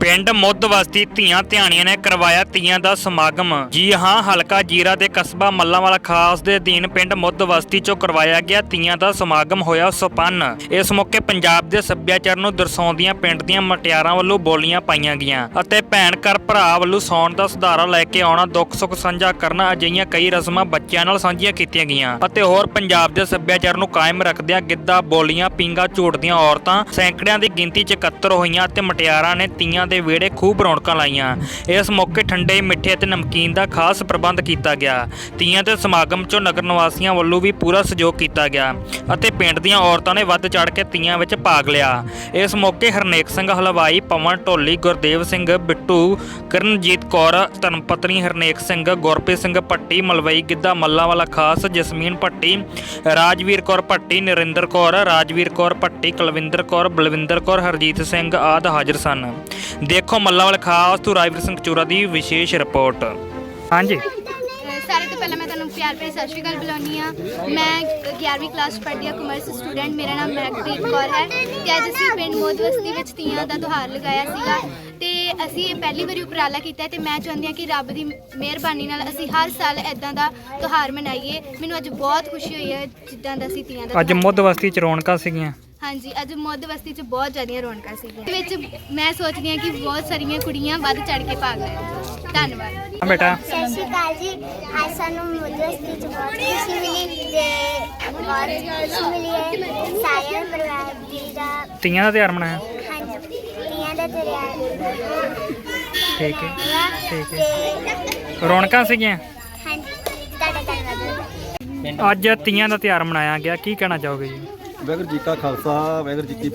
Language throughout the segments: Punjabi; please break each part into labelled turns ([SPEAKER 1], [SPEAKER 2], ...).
[SPEAKER 1] ਪਿੰਡ ਮੁੱਦਵਸਤੀ ਧੀਆਂ ਧਿਆਣੀਆਂ ਨੇ ਕਰਵਾਇਆ ਤੀਆਂ ਦਾ ਸਮਾਗਮ। ਜੀ ਹਾਂ, ਹਲਕਾ ਜੀਰਾ ਦੇ ਕਸਬਾ ਮੱਲਾਂਵਾਲਾ ਖਾਸ ਦੇ ਅਧੀਨ ਪਿੰਡ ਮੁੱਦਵਸਤੀ ਚੋਂ ਕਰਵਾਇਆ ਗਿਆ ਤੀਆਂ ਦਾ ਸਮਾਗਮ ਹੋਇਆ ਸੰਪੰਨ। ਇਸ ਮੌਕੇ ਪੰਜਾਬ ਦੇ ਸੱਭਿਆਚਾਰ ਨੂੰ ਦਰਸਾਉਂਦੀਆਂ ਪਿੰਡ ਦੀਆਂ ਮਟਿਆਰਾਂ ਵੱਲੋਂ ਬੋਲੀਆਂ ਪਾਈਆਂ ਗਈਆਂ ਅਤੇ ਭੈਣ ਘਰ ਭਰਾ ਵੱਲੋਂ ਸੌਣ ਦਾ ਸੁਧਾਰਾ ਲੈ ਕੇ ਆਉਣਾ, ਦੁੱਖ ਸੁੱਖ ਸਾਂਝਾ ਕਰਨਾ, ਅਜਿਹੀਆਂ ਕਈ ਰਸਮਾਂ ਬੱਚਿਆਂ ਨਾਲ ਸਾਂਝੀਆਂ ਕੀਤੀਆਂ ਗਈਆਂ ਅਤੇ ਹੋਰ ਪੰਜਾਬ ਦੇ ਸੱਭਿਆਚਾਰ ਨੂੰ ਕਾਇਮ ਰੱਖਦਿਆਂ ਗਿੱਧਾ, ਬੋਲੀਆਂ, ਪੀਂਘਾਂ ਝੂਟਦੀਆਂ ਔਰਤਾਂ ਸੈਂਕੜਿਆਂ ਦੀ ਗਿਣਤੀ 'ਚ ਇਕੱਤਰ ਹੋਈਆਂ ਅਤੇ ਮਟਿਆਰਾਂ ਨੇ ਤੀਆਂ ਦੇ ਵਿਹੜੇ ਖੂਬ ਰੌਣਕਾਂ ਲਾਈਆਂ। ਇਸ ਮੌਕੇ ਠੰਡੇ, ਮਿੱਠੇ ਅਤੇ ਨਮਕੀਨ ਦਾ ਖਾਸ ਪ੍ਰਬੰਧ ਕੀਤਾ ਗਿਆ। ਤੀਆਂ ਦੇ ਸਮਾਗਮ 'ਚੋਂ ਨਗਰ ਨਿਵਾਸੀਆਂ ਵੱਲੋਂ ਵੀ ਪੂਰਾ ਸਹਿਯੋਗ ਕੀਤਾ ਗਿਆ ਅਤੇ ਪਿੰਡ ਦੀਆਂ ਔਰਤਾਂ ਨੇ ਵੱਧ ਚੜ੍ਹ ਕੇ ਤੀਆਂ ਵਿੱਚ ਭਾਗ ਲਿਆ। ਇਸ ਮੌਕੇ ਹਰਨੇਕ ਸਿੰਘ ਹਲਵਾਈ, ਪਵਨ ਢੋਲੀ, ਗੁਰਦੇਵ ਸਿੰਘ ਬਿੱਟੂ, ਕਰਨਜੀਤ ਕੌਰ, ਧਰਮਪਤਨੀ ਹਰਨੇਕ ਸਿੰਘ, ਗੁਰਪ੍ਰੀਤ ਸਿੰਘ ਭੱਟੀ, ਮਲਵਈ ਗਿੱਧਾ ਮੱਲਾਂਵਾਲਾ ਖਾਸ, ਜਸਮੀਨ ਭੱਟੀ, ਰਾਜਵੀਰ ਕੌਰ ਭੱਟੀ, ਨਰਿੰਦਰ ਕੌਰ, ਰਾਜਵੀਰ ਕੌਰ ਭੱਟੀ, ਕੁਲਵਿੰਦਰ ਕੌਰ, ਬਲਵਿੰਦਰ ਕੌਰ, ਹਰਜੀਤ ਸਿੰਘ ਆਦਿ ਹਾਜ਼ਰ ਸਨ। ਦੇਖੋ ਮੱਲਾਂਵਾਲਾ ਖਾਸ ਤੋਂ ਰਾਜਵੀਰ ਸਿੰਘ ਚੋਰਾ ਦੀ ਵਿਸ਼ੇਸ਼ ਰਿਪੋਰਟ। ਹਾਂਜੀ,
[SPEAKER 2] सारे तो पहले मैं तुम प्यार भरी सत श्री अकाल बुलानी हाँ। मैं 11वीं क्लास पढ़ती हाँ, कॉमर्स स्टूडेंट। मेरा नाम महकप्रीत कौर है ਤੇ ਅੱਜ ਅਸੀਂ ਪਿੰਡ ਮੁੱਦਵਸਤੀ ਵਿੱਚ ਤੀਆਂ ਦਾ ਤਿਉਹਾਰ ਲਗਾਇਆ ਸੀਗਾ ਤੇ ਅਸੀਂ ਇਹ ਪਹਿਲੀ ਵਾਰੀ ਉਪਰਾਲਾ ਕੀਤਾ ਤੇ ਮੈਂ ਚਾਹੁੰਦੀ ਹਾਂ ਕਿ ਰੱਬ ਦੀ ਮਿਹਰਬਾਨੀ ਨਾਲ ਅਸੀਂ ਹਰ ਸਾਲ ਇਦਾਂ ਦਾ ਤਿਉਹਾਰ ਮਨਾਈਏ। ਮੈਨੂੰ ਅੱਜ ਬਹੁਤ ਖੁਸ਼ੀ ਹੋਈ ਹੈ ਜਿੱਦਾਂ ਦਾ ਅਸੀਂ ਤੀਆਂ ਦਾ
[SPEAKER 1] ਅੱਜ ਮੁੱਦਵਸਤੀ 'ਚ ਰੌਣਕਾਂ ਸੀਗੀਆਂ।
[SPEAKER 2] ਹਾਂਜੀ, ਅੱਜ ਮੁੱਦਵਸਤੀ 'ਚ ਬਹੁਤ ਜ਼ਿਆਦੀਆਂ ਰੌਣਕਾਂ ਸੀਗੀਆਂ। ਵਿੱਚ ਮੈਂ ਸੋਚਦੀ ਹਾਂ ਕਿ ਬਹੁਤ ਸਾਰੀਆਂ ਕੁੜੀਆਂ ਵੱਧ ਚੜ ਕੇ ਭਾਗ ਲੈਣ। ਧੰਨਵਾਦ
[SPEAKER 1] ਬੇਟਾ।
[SPEAKER 3] ਸਤਿ ਸ਼੍ਰੀ ਅਕਾਲ ਜੀ। ਅੱਜ ਸਾਨੂੰ ਮੁੱਦਵਸਤੀ 'ਚ ਬਹੁਤ ਖੁਸ਼ੀ ਮਿਲੀ ਤੇ ਬਹੁਤ ਖੁਸ਼ੀ ਮਿਲੀ ਹੈ। ਸਾਰੇ ਪਰਿਵਾਰ ਦੀ ਦਾ
[SPEAKER 1] ਤੀਆਂ ਦਾ ਤਿਉਹਾਰ ਮਨਾਇਆ।
[SPEAKER 3] ਹਾਂਜੀ, ਤੀਆਂ ਦਾ ਤਿਉਹਾਰ
[SPEAKER 1] ਠੀਕ ਹੈ, ਠੀਕ ਹੈ।
[SPEAKER 3] ਤੇ
[SPEAKER 1] ਰੌਣਕਾਂ ਸੀਗੀਆਂ।
[SPEAKER 3] ਹਾਂਜੀ, ਤੁਹਾਡਾ ਧੰਨਵਾਦ।
[SPEAKER 1] ਅੱਜ ਤੀਆਂ ਦਾ ਤਿਉਹਾਰ ਮਨਾਇਆ ਗਿਆ, ਕੀ ਕਹਿਣਾ ਚਾਹੋਗੇ ਜੀ?
[SPEAKER 4] ਵਾਹਿਗੁਰੂ ਜੀ ਕਾ ਖਾਲਸਾ, ਵਾਹਿਗੁਰੂ ਜੀ ਕੀ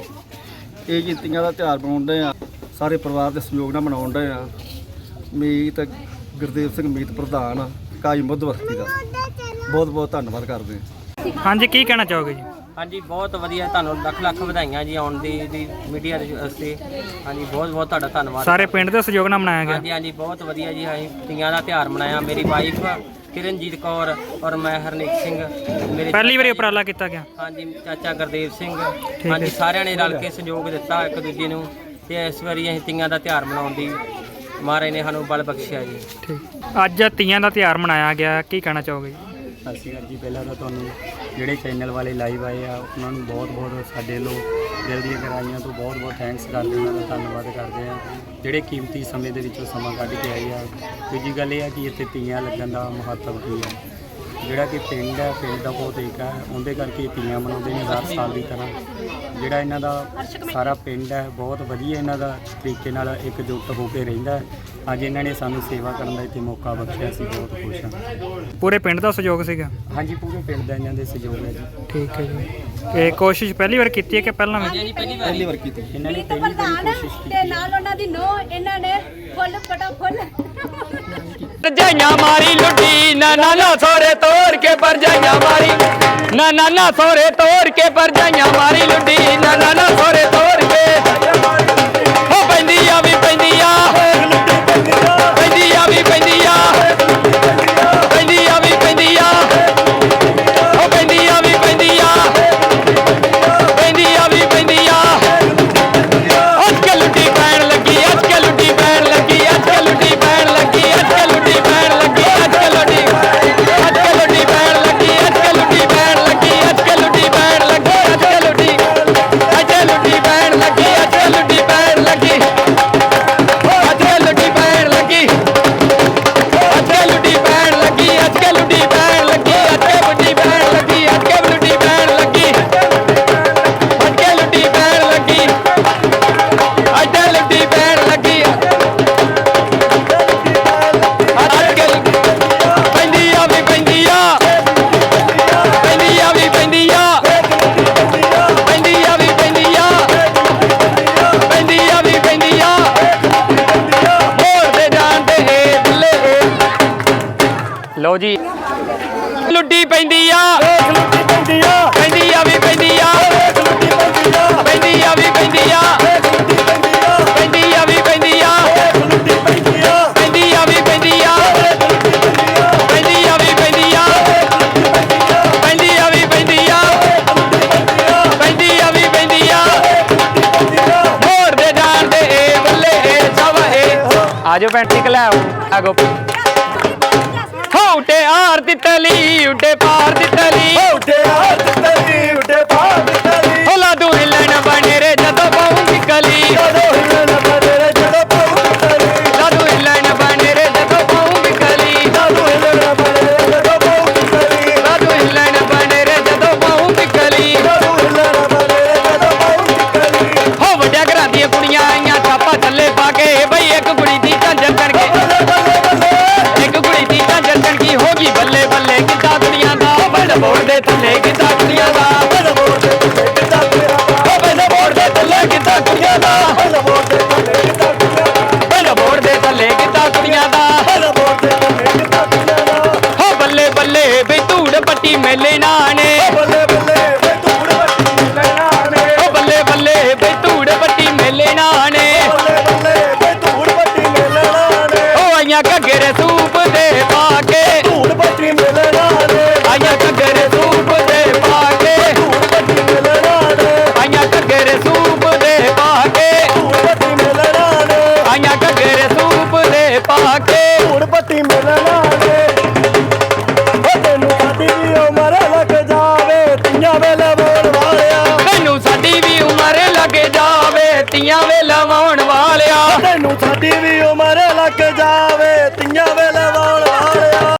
[SPEAKER 4] ਫਤਿਹ। ਇਹ ਤੀਆਂ ਦਾ ਤਿਉਹਾਰ ਮਨਾਉਂਦੇ ਆ, ਸਾਰੇ ਪਰਿਵਾਰ ਦੇ ਸਹਿਯੋਗ ਨਾਲ ਮਨਾਉਂਦੇ ਆ। ਮੀਤ ਗੁਰਦੇਵ ਸਿੰਘ ਮੀਤ ਪ੍ਰਧਾਨ ਕਾਈ ਮੁੱਦਵਸਤੀ ਦਾ ਬਹੁਤ ਬਹੁਤ ਧੰਨਵਾਦ ਕਰਦੇ ਹਾਂ।
[SPEAKER 1] ਹਾਂਜੀ, ਕੀ ਕਹਿਣਾ ਚਾਹੋਗੇ ਜੀ?
[SPEAKER 5] ਹਾਂਜੀ, ਬਹੁਤ ਵਧੀਆ, ਤੁਹਾਨੂੰ ਲੱਖ ਲੱਖ ਵਧਾਈਆਂ ਜੀ ਆਉਣ ਦੀ ਮੀਡੀਆ ਦੇ ਵਾਸਤੇ। ਹਾਂਜੀ, ਬਹੁਤ ਬਹੁਤ ਤੁਹਾਡਾ ਧੰਨਵਾਦ।
[SPEAKER 1] ਸਾਰੇ ਪਿੰਡ ਦੇ ਸਹਿਯੋਗ ਨਾਲ ਮਨਾਇਆ ਗਿਆ।
[SPEAKER 5] ਹਾਂਜੀ ਹਾਂਜੀ, ਬਹੁਤ ਵਧੀਆ ਜੀ। ਅਸੀਂ ਤੀਆਂ ਦਾ ਤਿਉਹਾਰ ਮਨਾਇਆ। ਮੇਰੀ ਵਾਈਫ ਕਿਰਨਜੀਤ ਕੌਰ ਔਰ ਮੈਂ ਹਰਨੇਕ ਸਿੰਘ, ਮੇਰੇ
[SPEAKER 1] ਪਹਿਲੀ ਵਾਰੀ ਉਪਰਾਲਾ ਕੀਤਾ ਗਿਆ।
[SPEAKER 5] ਹਾਂਜੀ, ਚਾਚਾ ਗੁਰਦੇਵ ਸਿੰਘ। ਹਾਂਜੀ, ਸਾਰਿਆਂ ਨੇ ਰਲ ਕੇ ਸਹਿਯੋਗ ਦਿੱਤਾ ਇੱਕ ਦੂਜੇ ਨੂੰ ਤੇ ਇਸ ਵਾਰੀ ਅਸੀਂ ਤੀਆਂ ਦਾ ਤਿਉਹਾਰ ਮਨਾਉਣ ਦੀ ਮਹਾਰਾਜ ਨੇ ਸਾਨੂੰ ਬਲ ਬਖਸ਼ਿਆ ਜੀ।
[SPEAKER 1] ਠੀਕ, ਅੱਜ ਤੀਆਂ ਦਾ ਤਿਉਹਾਰ ਮਨਾਇਆ ਗਿਆ, ਕੀ ਕਹਿਣਾ ਚਾਹੋਗੇ ਜੀ?
[SPEAKER 6] ਸਤਿ ਸ਼੍ਰੀ ਅਕਾਲ ਜੀ। ਪਹਿਲਾਂ ਤਾਂ ਤੁਹਾਨੂੰ ਜਿਹੜੇ ਚੈਨਲ ਵਾਲੇ ਲਾਈਵ ਆਏ ਆ ਉਹਨਾਂ ਨੂੰ ਬਹੁਤ ਬਹੁਤ ਸਾਡੇ ਲੋ ਦਿਲ ਦੀਆਂ ਗਹਿਰਾਈਆਂ ਤੋਂ ਬਹੁਤ ਬਹੁਤ ਥੈਂਕਸ ਕਰਦੇ, ਉਹਨਾਂ ਦਾ ਧੰਨਵਾਦ ਕਰਦੇ ਆ ਜਿਹੜੇ ਕੀਮਤੀ ਸਮੇਂ ਦੇ ਵਿੱਚੋਂ ਸਮਾਂ ਕੱਢ ਕੇ ਆਏ ਆ। ਦੂਜੀ ਗੱਲ ਇਹ ਆ ਕਿ ਇੱਥੇ ਤੀਆਂ ਲੱਗਣ ਦਾ ਮਹੱਤਵ ਕੀ ਹੈ। ਜਿਹੜਾ ਕਿ ਪਿੰਡ ਹੈ, ਪਿੰਡ ਦਾ ਬਹੁਤ ਏਕਾ ਹੈ, ਉਹਦੇ ਕਰਕੇ ਤੀਆਂ ਮਨਾਉਂਦੇ ਨੇ ਹਰ ਸਾਲ ਦੀ ਤਰ੍ਹਾਂ। ਜਿਹੜਾ ਇਹਨਾਂ ਦਾ ਸਾਰਾ ਪਿੰਡ ਹੈ ਬਹੁਤ ਵਧੀਆ, ਇਹਨਾਂ ਦਾ ਤਰੀਕੇ ਨਾਲ ਇਕਜੁੱਟ ਹੋ ਕੇ ਰਹਿੰਦਾ। ਅੱਜ ਇਹਨਾਂ ਨੇ ਸਾਨੂੰ ਸੇਵਾ ਕਰਨ ਦਾ ਇੱਥੇ ਮੌਕਾ ਬਖਸ਼ਿਆ, ਅਸੀਂ ਬਹੁਤ ਖੁਸ਼ ਹਾਂ।
[SPEAKER 1] ਪੂਰੇ ਪਿੰਡ ਦਾ ਸਹਿਯੋਗ ਸੀਗਾ।
[SPEAKER 6] ਹਾਂਜੀ, ਪੂਰੇ ਪਿੰਡ ਦਾ ਇਹਨਾਂ ਦੇ ਸਹਿਯੋਗ ਹੈ ਜੀ।
[SPEAKER 1] ਠੀਕ ਹੈ ਜੀ। ਇਹ ਕੋਸ਼ਿਸ਼ ਪਹਿਲੀ ਵਾਰ ਕੀਤੀ ਹੈ ਕਿ ਪਹਿਲਾਂ ਵੀ?
[SPEAKER 4] ਪਹਿਲੀ ਵਾਰ ਕੀਤੀ।
[SPEAKER 6] ਇਹਨਾਂ ਨੇ ਪਹਿਲੀ ਵਾਰੀ ਕੋਸ਼ਿਸ਼ ਕੀਤੀ
[SPEAKER 7] ਤੇ ਨਾਲ ਉਹਨਾਂ ਦੀ ਨੋ ਇਹਨਾਂ ਨੇ ਫੁੱਲ ਪਟਾ ਫੁੱਲ
[SPEAKER 1] ਭਰਜਾਈਆਂ ਮਾਰੀ ਲੁੱਟੀ ਨਾ ਨਾ ਨਾ ਸੋਰੇ ਤੋੜ ਕੇ ਭਰਜਾਈਆਂ ਮਾਰੀ ਨਾ ਨਾ ਨਾ ਸੋਰੇ ਤੋੜ ਕੇ ਭਰਜਾਈਆਂ ਮਾਰੀ ਲੁੱਟੀ ਨਾ ਨਾ ਨਾ ਸੋਰੇ ਤੋੜ ਕੇ ਹੋ ਪੈਂਦੀ ਆ ਵੀ ਪੈਂਦੀ ਆ ਪੈਂਦੀ ਆ ਵੀ ਪੈਂਦੀ ਆ ਪੈਂਦੀ ਆ ਵੀ ਪੈਂਦੀ ਆ ਹੋ ਪੈਂਦੀ ਆ ਵੀ ਪੈਂਦੀ ਆ ਪੈਂਦੀ ਆ ਵੀ ਪੈਂਦੀ ਆ ਅੱਜ ਕੇ ਲੁੱਟੀ ਪੈਣ ਲੱਗੀ, ਅੱਜ ਕੇ ਲੁੱਟੀ ਪੈਣ ਲੱਗੀ, ਅੱਜ ਕੇ ਲੁੱਟੀ ਪੈਣ ਲੱਗੀ, ਅੱਜ ਕੇ ਲੁੱਟੀ ਪੈਣ ਲੱਗੀ, ਅੱਜ ਕੇ ਲੁੱਟੀ ਪੈਣ ਲੱਗੀ, ਅੱਜ ਕੇ ਲੁੱਟੀ ਪੈਣ ਲੱਗੀ, ਅੱਜ ਕੇ ਲੁੱਟੀ ਪੈਣ ਲੱਗੀ, ਅੱਜ ਕੇ ਲੁੱਟੀ ਪੈਣ ਆਜੋ ਭੈਣ ਜੀ ਕਲਾਓ ਆਗੋ ਉੱਡੇ ਆਰ ਦਿੱਤਲੀ ਉੱਡੇ ਪਾਰ ਦਿੱਤਲੀ
[SPEAKER 4] ਉੱਡੇ ਆਰ ਦਿੱਤਲੀ ਉੱਡੇ ਪਾਰ ਦਿੱਤਲੀ
[SPEAKER 1] ਹੋਲਾ ਦੂ ਹਿਲਣ ਬਣੇ ਰੇ ਜਦੋਂ ਪਾਉਂਗੀ ਕਲੀ
[SPEAKER 4] ਜਦੋਂ ਹਿਲਣ ਬਣੇ ਰੇ ਜਦੋਂ ਪਾਉਂਗੀ ਕਲੀ
[SPEAKER 1] ਲਾਦੂ ਹਿਲਣ ਬਣੇ ਰੇ ਜਦੋਂ ਪਾਉਂਗੀ ਕਲੀ
[SPEAKER 4] ਜਦੋਂ ਹਿਲਣ ਬਣੇ ਰੇ ਜਦੋਂ ਪਾਉਂਗੀ ਕਲੀ
[SPEAKER 1] ਲਾਦੂ ਹਿਲਣ ਬਣੇ ਰੇ ਜਦੋਂ ਪਾਉਂਗੀ ਕਲੀ
[SPEAKER 4] ਜਦੋਂ ਹਿਲਣ ਬਣੇ ਰੇ ਜਦੋਂ ਪਾਉਂਗੀ ਕਲੀ
[SPEAKER 1] ਹੋ ਵੱਡਿਆ ਘਰਾਂ ਦੀਆਂ ਕੁੜੀਆਂ ਆਈਆਂ ਛਾਪਾ ਥੱਲੇ ਪਾ ਕੇ ਬਈ ਇੱਕ ਕੁੜੀ ਦੀ ਝਾਂਜਰ ਚੜ ਕੇ ਇੱਕ ਕੁੜੀ ਦੀ ਝਾਂਜਰ ਚੜ ਗਈ ਹੋ ਗਈ ਬੱਲੇ ਬੱਲੇ ਕਿੱਦਾਂ ਕੁੜੀਆਂ ਦਾ ਬੜ ਬੋੜ ਦੇ ਥੱਲੇ ਕਿੱਦਾਂ ਕੁੜੀਆਂ ਦਾ
[SPEAKER 4] ਬੜ ਬੋੜ ਦੇ ਥੱਲੇ ਕਿੱਦਾਂ ਕੁੜੀਆਂ ਦਾ
[SPEAKER 1] ਬੜ ਬੋੜ ਦੇ ਥੱਲੇ ਕਿੱਦਾਂ ਕੁੜੀਆਂ ਦਾ
[SPEAKER 4] ਬੜ ਬੋੜ ਦੇ ਥੱਲੇ ਕਿੱਦਾਂ ਕੁੜੀਆਂ ਦਾ
[SPEAKER 1] ਬੜ ਬੋੜ ਦੇ ਥੱਲੇ ਕਿੱਦਾਂ ਕੁੜੀਆਂ ਦਾ
[SPEAKER 4] ਬੜ ਬੋੜ ਦੇ ਥੱਲੇ ਕਿੱਦਾਂ ਕੁੜੀਆਂ ਦਾ
[SPEAKER 1] ਹੋ ਬੱਲੇ ਬੱਲੇ ਬਈ ਧੂੜ ਪੱਟੀ ਮੇਲੇ ਨਾਣੇ
[SPEAKER 4] ਬੱਲੇ ਬੱਲੇ ਵੇ ਧੂੜ ਵੱਟੀ ਲੈਣਾ ਨੇ
[SPEAKER 1] ਹੋ ਬੱਲੇ ਬੱਲੇ ਬਈ ਧੂੜ ਪੱਟੀ ਮੇਲੇ ਨਾਣੇ
[SPEAKER 4] ਬੱਲੇ ਬੱਲੇ ਵੇ ਧੂੜ ਵੱਟੀ ਲੈਣਾ ਨੇ
[SPEAKER 1] ਹੋ ਆਈਆਂ ਘੱਗਰੇ ਸੂਪ ਦੇ ਪਾ ਕੇ
[SPEAKER 4] ਧੂੜ ਵੱਟੀ ਲੈਣਾ ਨੇ
[SPEAKER 1] ਆਈਆਂ ਘੱਗਰੇ ਸੂਪ ਦੇ ਪਾ ਕੇ
[SPEAKER 4] ਧੂੜ ਵੱਟੀ ਲੈਣਾ ਨੇ
[SPEAKER 1] ਆਈਆਂ ਘੱਗਰੇ ਸੂਪ ਦੇ ਪਾ ਕੇ
[SPEAKER 4] ਧੂੜ ਵੱਟੀ ਲੈਣਾ ਨੇ
[SPEAKER 1] ਆਈਆਂ ਘੱਗਰੇ ਸੂਪ ਦੇ ਪਾ ਕੇ
[SPEAKER 4] ਧੂੜ ਵੱਟੀ ਲੈਣਾ ਨੇ ਉਹ ਤੈਨੂੰ ਸਾਡੀ ਵੀ ਉਮਰ ਲੱਗ ਜਾਵੇ ਤੀਆਂ ਵੇਲੇ ਬੋਲ ਵਾਲਿਆ
[SPEAKER 1] ਮੈਨੂੰ ਸਾਡੀ ਵੀ ਉਮਰ ਲੱਗ ਜਾਵੇ ਤੀਆਂ ਵੇ ਲਵਾਉਣ ਵਾਲਿਆ
[SPEAKER 4] ਤੈਨੂੰ ਸਾਡੀ ਵੀ ਉਮਰ